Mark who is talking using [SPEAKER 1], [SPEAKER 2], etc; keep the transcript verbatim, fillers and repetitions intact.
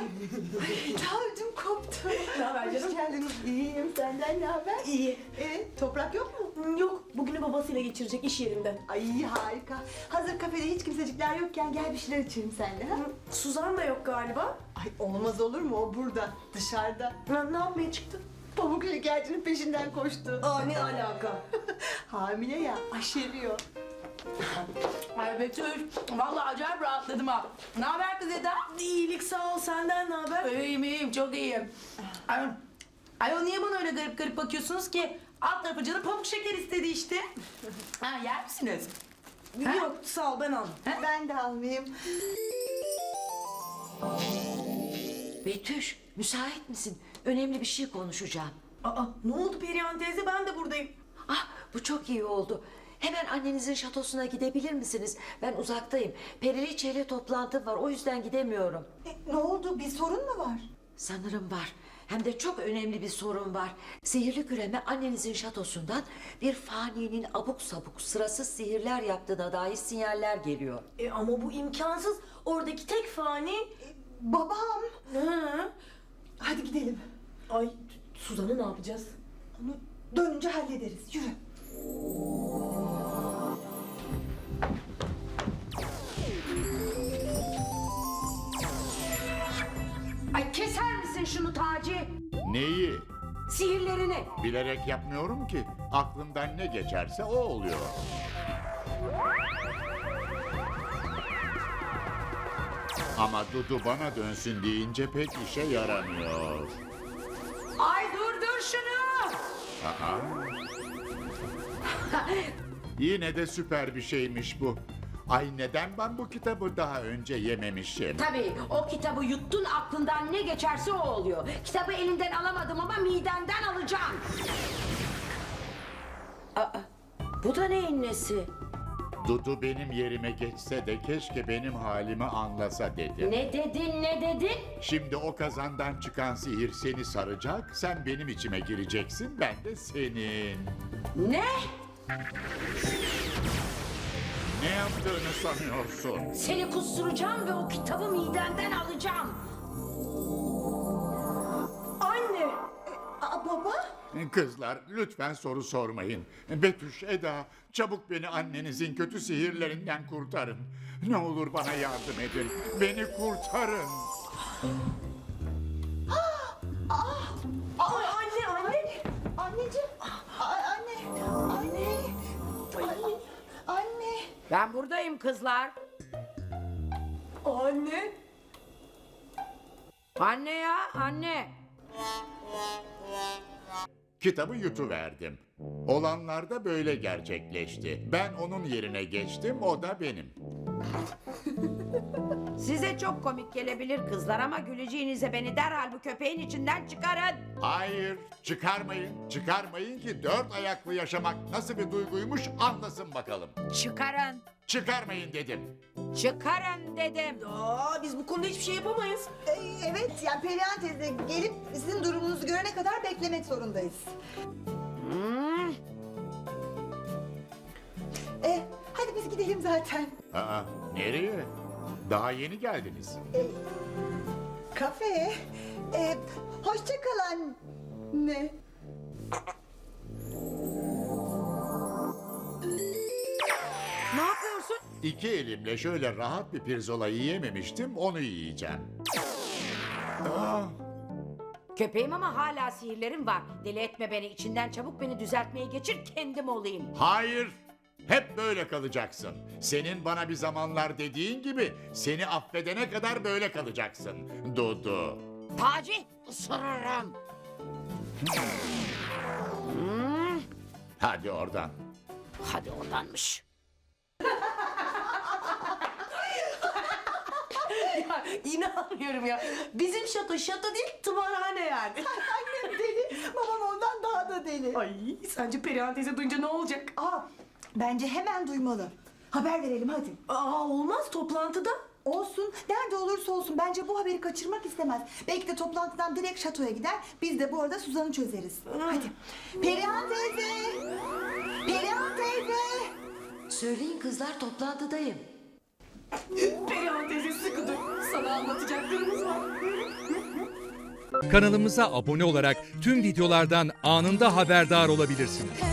[SPEAKER 1] Ta ödüm koptu.
[SPEAKER 2] Ne haber canım?
[SPEAKER 1] Hoş geldiniz. İyiyim. Senden ne haber?
[SPEAKER 2] İyi.
[SPEAKER 1] Ee, toprak yok mu?
[SPEAKER 2] Yok, bugünü babasıyla geçirecek iş yerinden.
[SPEAKER 1] Ay harika. Hazır kafede hiç kimsecikler yokken gel bir şeyler içelim seninle. Ha?
[SPEAKER 2] Suzan da yok galiba.
[SPEAKER 1] Ay olmaz olur mu? O burada. Dışarıda.
[SPEAKER 2] Ne, ne yapmaya çıktın?
[SPEAKER 1] Pamuk şekercinin peşinden koştu.
[SPEAKER 2] Aa, ne alaka?
[SPEAKER 1] Hamile ya. Aşeriyor.
[SPEAKER 3] Ay Betül, vallahi acayip rahatladım ha. Ne haber kız Eda?
[SPEAKER 2] İyilik sağ ol, senden ne haber?
[SPEAKER 3] İyiyim iyiyim, çok iyiyim. Ay, ay niye bana öyle garip garip bakıyorsunuz ki? Alt tarafı canım pamuk şeker istedi işte. Ha, yer misiniz? Ha?
[SPEAKER 2] Yok, sağ ol, ben aldım.
[SPEAKER 1] Ben de almayayım.
[SPEAKER 4] Betüş, müsait misin? Önemli bir şey konuşacağım.
[SPEAKER 2] Aa, ne oldu Perihan teyze? Ben de buradayım.
[SPEAKER 4] Ah, bu çok iyi oldu. Hemen annenizin şatosuna gidebilir misiniz? Ben uzaktayım. Periliçe ile toplantım var, o yüzden gidemiyorum.
[SPEAKER 1] E, ne oldu? Bir sorun mu var?
[SPEAKER 4] Sanırım var. Hem de çok önemli bir sorun var. Sihirli küreme annenizin şatosundan bir faninin abuk sabuk sırasız sihirler yaptığına dair sinyaller geliyor.
[SPEAKER 2] E, ama bu imkansız. Oradaki tek fani...
[SPEAKER 1] Babam.
[SPEAKER 2] Hı.
[SPEAKER 1] Hadi gidelim.
[SPEAKER 2] Ay, Suzan'ı ne yapacağız?
[SPEAKER 1] Onu dönünce hallederiz. Yürü.
[SPEAKER 4] Ay keser misin şunu Taci?
[SPEAKER 5] Neyi?
[SPEAKER 4] Sihirlerini.
[SPEAKER 5] Bilerek yapmıyorum ki. Aklımdan ne geçerse o oluyor. Ama Dudu bana dönsün deyince pek işe yaramıyor.
[SPEAKER 4] Ay durdur şunu.
[SPEAKER 5] Aa. Yine de süper bir şeymiş bu. Ay neden ben bu kitabı daha önce yememişim?
[SPEAKER 6] Tabii o kitabı yuttun aklından ne geçerse o oluyor. Kitabı elinden alamadım ama midenden alacağım.
[SPEAKER 4] Bu da neyin nesi?
[SPEAKER 5] Dudu benim yerime geçse de keşke benim halimi anlasa dedi.
[SPEAKER 6] Ne dedin ne dedin?
[SPEAKER 5] Şimdi o kazandan çıkan sihir seni saracak, sen benim içime gireceksin, ben de senin.
[SPEAKER 6] Ne?
[SPEAKER 5] Ne yaptığını sanıyorsun?
[SPEAKER 6] Seni kusturacağım ve o kitabı midenden alacağım.
[SPEAKER 2] Anne!
[SPEAKER 1] Aa, baba.
[SPEAKER 5] Kızlar lütfen soru sormayın. Betüş, Eda, çabuk beni annenizin kötü sihirlerinden kurtarın. Ne olur bana yardım edin. Beni kurtarın.
[SPEAKER 2] Ay anne, anne!
[SPEAKER 1] Anneciğim. Aa, anne. Anne. Anne. Anne.
[SPEAKER 6] Ben buradayım kızlar.
[SPEAKER 2] Anne!
[SPEAKER 6] Anne ya anne.
[SPEAKER 5] Kitabı yutuverdim. Olanlar da böyle gerçekleşti. Ben onun yerine geçtim, o da benim.
[SPEAKER 6] Size çok komik gelebilir kızlar ama güleceğinize beni derhal bu köpeğin içinden çıkarın.
[SPEAKER 5] Hayır, çıkarmayın. Çıkarmayın ki dört ayaklı yaşamak nasıl bir duyguymuş anlasın bakalım.
[SPEAKER 6] Çıkarın.
[SPEAKER 5] Çıkarmayın dedim.
[SPEAKER 6] Çıkarın dedim.
[SPEAKER 2] Aa, biz bu konuda hiçbir şey yapamayız.
[SPEAKER 1] Ee, evet yani Perihan teyze gelip sizin durumunuzu görene kadar beklemek zorundayız.
[SPEAKER 6] Hmm.
[SPEAKER 1] E, hadi biz gidelim zaten.
[SPEAKER 5] Aa, nereye? Daha yeni geldiniz.
[SPEAKER 1] Kafeye. E, hoşça kal anne.
[SPEAKER 6] Ne yapıyorsun?
[SPEAKER 5] İki elimle şöyle rahat bir pirzola yiyememiştim, onu yiyeceğim. Aa,
[SPEAKER 6] Köpeğim ama hala sihirlerim var. Deli etme beni içinden çabuk beni düzeltmeye geçir kendim olayım.
[SPEAKER 5] hayır, hep böyle kalacaksın. Senin bana bir zamanlar dediğin gibi seni affedene kadar böyle kalacaksın. Dudu.
[SPEAKER 6] Taci ısırırım. Hmm.
[SPEAKER 5] Hadi oradan.
[SPEAKER 6] Hadi oradanmış.
[SPEAKER 2] Ya inanmıyorum ya. Bizim şato şato değil, tımarhane yani.
[SPEAKER 1] Annem deli, babam ondan daha da deli.
[SPEAKER 2] Ay, sence Perihan teyze duyunca ne olacak?
[SPEAKER 1] Aa, bence hemen duymalı. Haber verelim hadi.
[SPEAKER 2] Aa, olmaz toplantıda.
[SPEAKER 1] Olsun, nerede olursa olsun bence bu haberi kaçırmak istemez. Belki de toplantıdan direkt şatoya gider, biz de bu arada Suzan'ı çözeriz. Hadi. Perihan teyze! Perihan teyze!
[SPEAKER 4] Söyleyin kızlar, toplantıdayım.
[SPEAKER 2] Perihan teyze sıkı dur. Sana anlatacaklarımız var.
[SPEAKER 7] Kanalımıza abone olarak tüm videolardan anında haberdar olabilirsiniz.